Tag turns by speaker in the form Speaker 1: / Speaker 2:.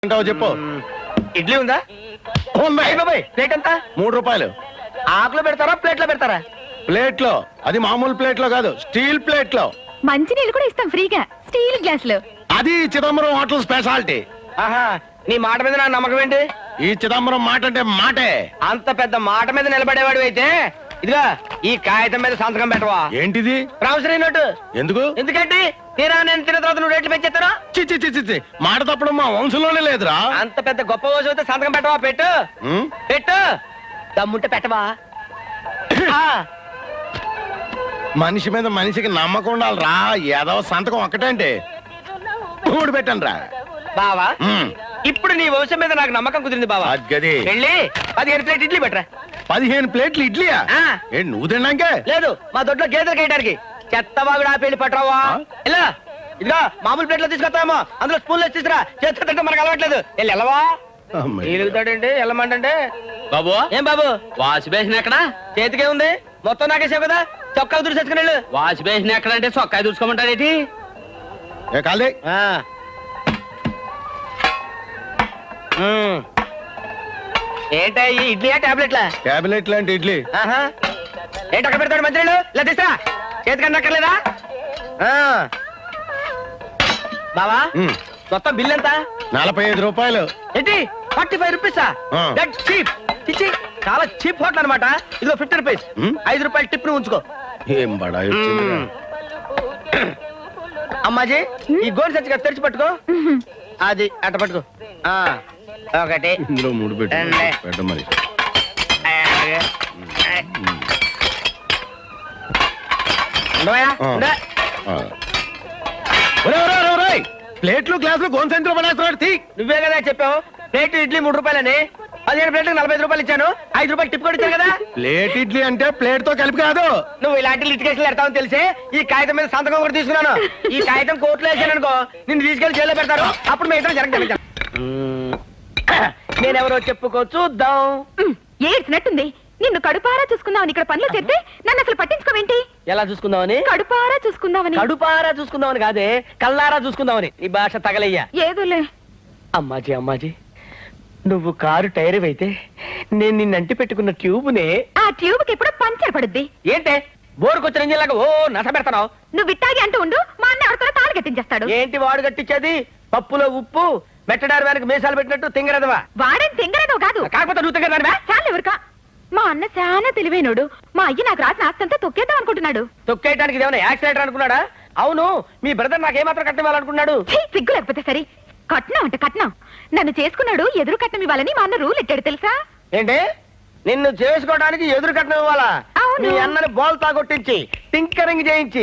Speaker 1: చెప్పు.
Speaker 2: ఇడ్లీ ఉందా?
Speaker 1: బాబాయ్
Speaker 2: ప్లేట్ ఎంత?
Speaker 1: 3 రూపాయలు.
Speaker 2: ఆకులో పెడతారా ప్లేట్లో పెడతారా?
Speaker 1: ప్లేట్ లో. అది మామూలు ప్లేట్ లో కాదు, స్టీల్ ప్లేట్ లో.
Speaker 3: మంచి నీళ్ళు కూడా ఇస్తాం ఫ్రీగా స్టీల్ గ్లాస్ లో.
Speaker 1: అది చిదంబరం హోటల్ స్పెషాలిటీ.
Speaker 2: ఆహా, నీ మాట మీద నా నమ్మకం ఏంటి?
Speaker 1: ఈ చిదంబరం మాట అంటే మాటే.
Speaker 2: అంత పెద్ద మాట మీద నిలబడేవాడు అయితే ఇదిగా ఈ కాగితం మీద సంతకం పెట్టవా?
Speaker 1: ఏంటిది?
Speaker 2: Promissory note.
Speaker 1: ఎందుకు?
Speaker 2: ఎందుకంటే తీరా నేను తిన్న తర్వాత నువ్వు రేట్లు పెంచేస్తాను.
Speaker 1: చిచ్చి చిచ్చి చిచ్చి మాట తప్పడం మా వంశంలోనే లేదురా.
Speaker 2: అంత పెద్ద గొప్ప రోజు అయితే సంతకం పెట్టవా? పెట్టు
Speaker 1: ఉం?
Speaker 2: పెట్టు, దమ్ముంటే పెట్టవా? ఆ,
Speaker 1: మనిషి మీద మనిషికి నమ్మకం ఉండాలిరా. ఏదో సంతకం ఒక్కటంటే 3 పెట్టండి రా.
Speaker 2: బావా ఇప్పుడు నీ వంశం మీద నాకు నమ్మకం కుదిరింది బావా.
Speaker 1: గది
Speaker 2: వెళ్ళి 15 ప్లేట్ ఇడ్లీ పెట్టరా.
Speaker 1: 15 ప్లేట్లు ఇడ్లీయా?
Speaker 2: ఆ.
Speaker 1: ఏంటి నువ్వు తిన్నాకే?
Speaker 2: లేదు, మా దొడ్లో గేదెలు కేయడానికి చెత్తవాగుడు ఆపేళ్ళి పట్టరావా? ఇలా ఇదిగా మామూలు ప్లేట్లో తీసుకొస్తామో అందులో స్పూన్లో తీసుకురా. చేతితో తింటే మనకు అలవాట్లేదు. వెళ్ళి వెళ్ళవా? ఎలుగుతాడండి వెళ్ళమంటే.
Speaker 4: బాబు
Speaker 2: ఏం బాబు
Speaker 4: వాష్ బేసిన్ ఎక్కడ?
Speaker 2: చేతికే ఉంది, మొత్తం నాకేసావు కదా. చొక్కా దురిసేసుకుని వెళ్ళు.
Speaker 4: వాష్ బేసిన్ ఎక్కడ అంటే చొక్కా దూసుకోమంటారేటి?
Speaker 1: ఏ కాలే.
Speaker 2: ఏంటా ఈ ఇడ్లీయా టాబ్లెట్లా?
Speaker 1: క్యాబినెట్ లాంటి ఇడ్లీ.
Speaker 2: ఏంటి అక్కడ పెడతాడు మంత్రులు? ఇలా తీసుకురా. చేతికన్నా అక్కర్లేదా? బావా మొత్తం బిల్ ఎంత?
Speaker 1: 45 రూపాయలు.
Speaker 2: ఏంటి 45 రూపీసా?
Speaker 1: ఆ.
Speaker 2: That cheap. చిచ్చి, చాలా చీప్ హోటల్ అనమాట. ఇదిగో 50 రూపీస్. 5 రూపాయలు టిప్ ను ఉంచుకో.
Speaker 1: ఏం బడాయి వచ్చిందిరా.
Speaker 2: అమ్మాజీ ఈ గోల్ సంచిగా తెరిచి పట్టుకో. అది అట్ట పట్టుకో. ఒకటి
Speaker 1: ఇందులో 3 పెట్టు.
Speaker 2: రెండే.
Speaker 1: పెట్ట మరి.
Speaker 2: ఉండవయ్యా?
Speaker 1: ఆ.
Speaker 2: ఉండే.
Speaker 1: ఆ. ఒరేయ్, ఒరేయ్, ఒరేయ్, ఒరేయ్. ప్లేట్లు గ్లాసులు గోన్సెంట్లో పడేస్తున్నాడు. తీ.
Speaker 2: నువ్వే కదా చెప్పావు ప్లేట్ ఇడ్లీ 3 రూపాయలని. 15 ప్లేట్లకు 45 రూపాయలు ఇచ్చాను. 5 రూపాయలు టిప్ కూడా ఇచ్చాను కదా.
Speaker 1: ప్లేట్ ఇడ్లీ అంటే ప్లేట్ తో కలిపి కాదు.
Speaker 2: నువ్వు ఇలాంటి లిటికేషన్ పెడతావని తెలిసే ఈ కాగితం మీద సంతకం కూడా తీసుకున్నాను. ఈ కాగితం కోర్టులో వేసాను అనుకో, నిన్ను తీసుకెళ్లి జైల్లో పెడతారు. అప్పుడు మిగతా జరగదు. నేనెవరో చెప్పుకో చూద్దాం.
Speaker 3: ఏడ్చినట్టుంది. నిన్ను కడుపారా చూసుకుందామని ఇక్కడ పనులు చేస్తే నన్ను అసలు పట్టించుకోవేంటి?
Speaker 2: ఎలా చూసుకుందామని?
Speaker 3: కడుపారా చూసుకుందామని.
Speaker 2: కడుపారా చూసుకుందామని కాదే, కల్లారా చూసుకుందామని. ఈ భాష తగలయ్యా.
Speaker 3: ఏదోలే.
Speaker 2: అమ్మాజీ అమ్మాజీ, నువ్వు కారు టైర్ అయితే నేను నిన్నంటి పెట్టుకున్న ట్యూబ్నే.
Speaker 3: ఆ ట్యూబ్ కి ఎప్పుడు పంచర్ పడుద్ది.
Speaker 2: ఏంటే బోరుకొచ్చిన ఇంజిన్లాగా ఓ నస పెడతావు?
Speaker 3: నువ్వు ఇట్టాగి అంటూ ఉండు, మా అన్న ఎవరితో తాళి కట్టించేస్తాడు.
Speaker 2: ఏంటి వాడు కట్టించేది? పప్పులో ఉప్పు మెట్టడారు వెనక మీసాలు పెట్టినట్టు తింగరదవా?
Speaker 3: వాడేం తింగరదో కాదు.
Speaker 2: కాకపోతే నువ్వు తింగరదానివా?
Speaker 3: చాలు ఎవరికా. మా అన్న చాలా తెలివైనోడు. మా అయ్య నాకు రాసిన ఆస్తంతా తొక్కేద్దాం అనుకుంటున్నాడు.
Speaker 2: తొక్కేయడానికి ఇదేమన్నా యాక్సిడెంట్ అనుకున్నాడా? అవును, మీ బ్రదర్ నాకేమాత్రం కట్టివ్వాలనుకున్నాడు?
Speaker 3: సిగ్గు లేకపోతే సరే. కట్నం అంటే కట్నం. నన్ను చేసుకున్నాడు ఎదురు కట్నం ఇవ్వాలని మా అన్న రూల్ ఎట్టాడు తెలుసా?
Speaker 2: ఏంటి నిన్ను చేసుకోవడానికి ఎదురు కట్నం ఇవ్వాలా?
Speaker 3: అవును.
Speaker 2: మీ అన్నని బోల్తా కొట్టించి టింకరింగ్ చేయించి